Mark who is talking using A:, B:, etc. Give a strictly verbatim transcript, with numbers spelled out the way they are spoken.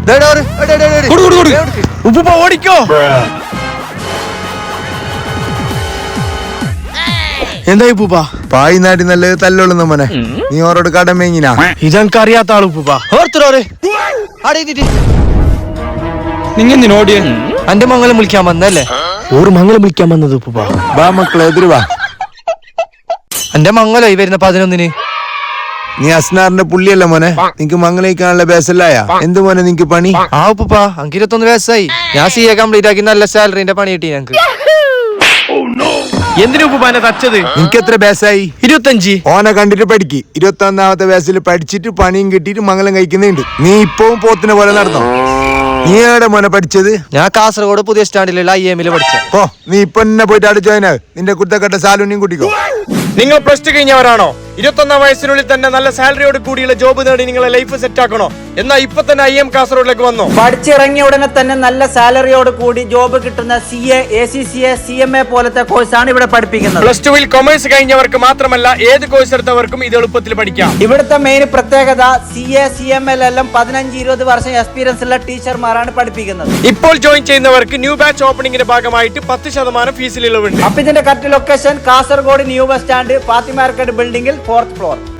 A: ഉപ്പുപ്പ ഓടിക്കോ. എന്തായി ഉപ്പുപ്പ?
B: പായി നാട്ടി നല്ല തല്ലുള്ളുന്ന മോനെ. നീ ഓരോട് കടമേങ്ങിനാ?
A: ഇതെനിക്ക് അറിയാത്ത ആള് ഉപ്പുപ്പ. നിങ്ങെന്തിനോടിയ? എന്റെ മംഗലം വിളിക്കാൻ വന്നല്ലേ? ഓർ മംഗലം വിളിക്കാൻ വന്നത് ഉപ്പുപ്പ.
B: ബാ മക്കളെ എതിര് വാ.
A: എന്റെ മംഗലം ഈ വരുന്ന പതിനൊന്നിന്.
B: നീ അസ്നാറിന്റെ പുള്ളിയല്ല മോനെ. നിനക്ക് മംഗലിക്കാനുള്ള ബേസല്ലായ എന്ത് മോനെ നിനക്ക് പണി?
A: ആ ഉപ്പുപ്പ എനിക്ക് ഇരുപത്തൊന്ന് വയസ്സായി. ഞാൻ സി എ കംപ്ലീറ്റ് ആക്കി നല്ല സാലറിന്റെ പണി കിട്ടി ഞങ്ങക്ക്. എന്തിനു ഉപ്പുപ്പാനെ തച്ചത്?
B: നിനക്ക് എത്ര ബേസായി?
A: ഇരുപത്തഞ്ച്.
B: ഓനെ കണ്ടിട്ട് പഠിക്ക്. ഇരുപത്തി ഒന്നാമത്തെ വയസ്സിൽ പഠിച്ചിട്ട് പണിയും കിട്ടിയിട്ട് മംഗലം കഴിക്കുന്നുണ്ട്. നീ ഇപ്പവും പോത്തിനെ പോലെ നടന്നോ? നീ എവിടെ മോനെ പഠിച്ചത്?
A: ഞാൻ കാസർഗോഡ് പുതിയ സ്റ്റാൻഡിലുള്ള ഐ എമ്മില് പഠിച്ച.
B: ഓ നീ ഇപ്പൊ എന്നെ പോയിട്ട് അവിടെ ജോയിൻ ആവ്. നിന്റെ കുത്തക്കട്ട സാലൂണിയും കൂട്ടിക്കോ.
A: നിങ്ങൾ പ്ലസ് ടു കഴിഞ്ഞവരാണോ? ഇരുപത്തൊന്നാം വയസ്സിനുള്ളിൽ തന്നെ നല്ല സാലറിയോട് കൂടിയുള്ള ജോബ് നേടി നിങ്ങളെ ലൈഫ് സെറ്റ് ആക്കണോ? എന്നാ ഇപ്പൊ തന്നെ ഐ എം കാസർഗോഡിലേക്ക് വന്നോ.
C: പഠിച്ചിറങ്ങിയ ഉടനെ തന്നെ നല്ല സാലറിയോട് കൂടി ജോബ് കിട്ടുന്ന C A, A C C A, C M A പോലത്തെ കോഴ്സാണ് ഇവിടെ പഠിപ്പിക്കുന്നത്.
A: പ്ലസ് ടുവിൽ കൊമേഴ്സ് കഴിഞ്ഞവർക്ക് മാത്രമല്ല ഏത് കോഴ്സ് എടുത്തവർക്കും ഇത് എളുപ്പത്തിൽ പഠിക്കാം.
C: ഇവിടുത്തെ മെയിൻ പ്രത്യേകത C A, C M L എല്ലാം പതിനഞ്ച് ഇരുപത് വർഷം എക്സ്പീരിയൻസ് ഉള്ള ടീച്ചർമാരാണ് പഠിപ്പിക്കുന്നത്.
A: ഇപ്പോൾ ജോയിൻ ചെയ്യുന്നവർക്ക് ന്യൂ ബാച്ച് ഓപ്പണിംഗിന്റെ ഭാഗമായിട്ട് പത്ത് ശതമാനം ഫീസിൽ ഇളവുണ്ട്.
C: അപ്പൊ ഇതിന്റെ correct location Kasaragod new bus stand, Fathima market ബിൽഡിംഗിൽ ഫോർത്ത് ഫ്ലോർ.